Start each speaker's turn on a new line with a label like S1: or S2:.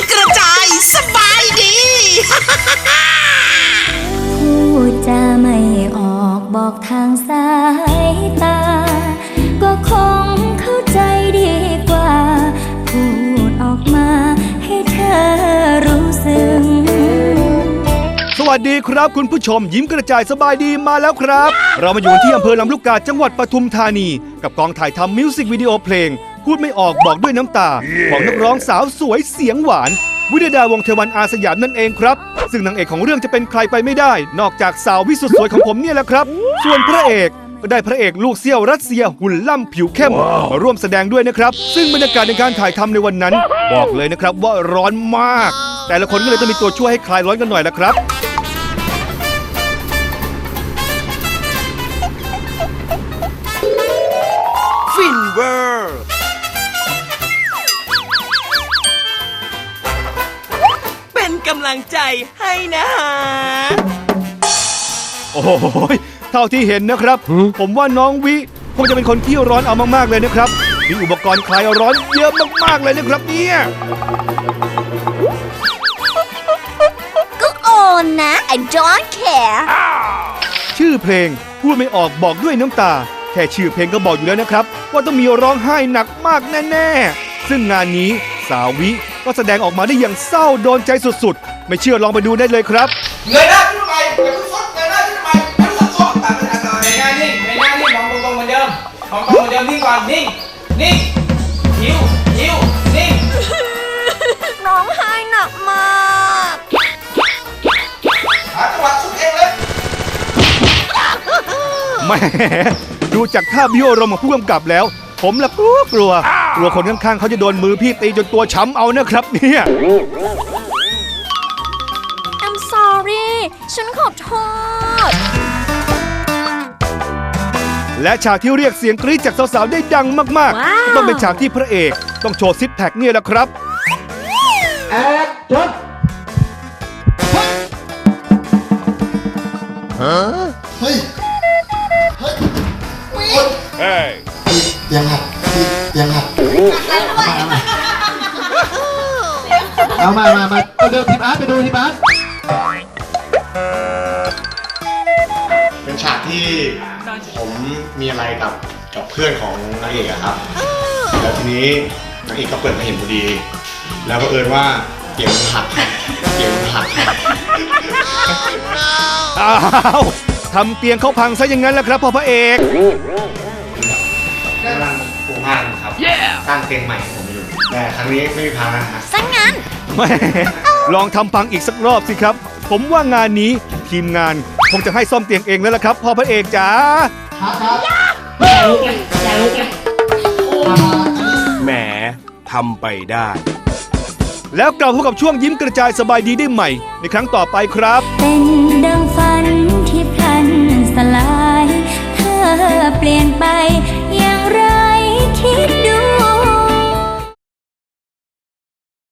S1: กระจายสบายดี
S2: พูดจาไม่ออกบอกทางสายตาก็คงเข้าใจดีกว่าพูดออกมาให้เธอรู้สึก
S3: สวัสดีครับคุณผู้ชมยิ้มกระจายสบายดีมาแล้วครับ เรามาอยู่ที่อำเภอลำลูกกาจังหวัดปทุมธานีกับกองถ่ายทำมิวสิกวิดีโอเพลงพูดไม่ออกบอกด้วยน้ำตาของนักร้องสาวสวยเสียงหวานวิดดาวงศ์เทวันอาสยามนั่นเองครับซึ่งนางเอกของเรื่องจะเป็นใครไปไม่ได้นอกจากสาววิสุทธ์สวยของผมเนี่ยแหละครับส่วนพระเอกก็ได้พระเอกลูกเสี้ยวรัสเซียหุ่นล่ำผิวเข้มมาร่วมแสดงด้วยนะครับซึ่งบรรยากาศในการถ่ายทำในวันนั้นบอกเลยนะครับว่าร้อนมากแต่ละคนก็เลยต้องมีตัวช่วยให้คลายร้อนกันหน่อยละครับ
S1: ฟินเวอร์เป็นกำลังใจให้นะฮะ
S3: โอ้โหเท่าที่เห็นนะครับ ผมว่าน้องวิคงจะเป็นคนที่ร้อนเอามากๆเลยนะครับมีอุปกรณ์คลายร้อนเยอะมากๆเลยนะครับเนี่ย
S2: ก็โอนนะ I don't care
S3: ชื่อเพลงพูดไม่ออกบอกด้วยน้ำตาแค่ชื่อเพลงก็บอกอยู่แล้วนะครับว่าต้องมีร้องไห้หนักมากแน่ๆซึ่งงานนี้สาววิก็แสดงออกมาได้อย่างเศร้าโดนใจสุดๆไม่เชื่อลองไปดูได้เลยครับ
S4: เงยหน้าขึ้นทำไมอย่าเพิ่งซดเงยหน้าขึ้นทำไมอย่าเพิ่งซดตัดไปทางไหนเงยหน้านิ่งเงยหน้านิ่งมองตรงๆเหมือนเดิมมองตรงเหมือนเดิมนิ่งก่อนนิ่งนิ่งหิวหิวนิ่ง
S2: ร้องไห้หนักมาก
S4: หาจังหวะสุดเองเลย
S3: แหมดูจากท่าบิวอารมณ์ของผู้กำกับแล้ว ผมละกลัวคนข้างๆเขาจะโดนมือพี่ตีจนตัวช้ำเอานะครับเนี่ย
S2: I'm sorry ฉันขอโทษ
S3: และฉากที่เรียกเสียงกรี๊ดจากสาวๆได้ดังมาก
S2: ว้าว
S3: ๆก็ต้องเป็นฉากที่พระเอกต้องโชว์ซิปแพคเนี่ยแหละครับ
S4: แอดจด
S5: เฮ้ย เฮ้ยยังหักยังหักเอามาไปดูทีมอาร์ตเป็นฉากที่ผมมีอะไรกับเพื่อนของนางเอกอะครับ แล้วทีนี้นางเอกก็เปิดมาเห็นพอดี แล้วบังเอิญว่าเตียงมันหักครับเตียงมันหักครับ
S3: อ้าวทำเตียงเขาพังซะอย่างนั้นแหละครับพ่อพระเอก
S5: กำลังปลูกบ้านครับ สร้างเตียงใหม่ให้ผมอยู่ แต่ครั้งนี้ไม่มีพังนะครับ
S2: ซะงั้น
S3: แหมลองทำพังอีกสักรอบสิครับ ผมว่างานนี้ทีมงานคงจะให้ซ่อมเตียงเองแล้วล่ะครับพ่อพระเอกจ๋า
S6: แหมทำไปได้
S3: แล้วกลับพบกับช่วงยิ้มกระจายสบายดีได้ใหม่ในครั้งต่อไปครับ
S2: เป็นดังฝัน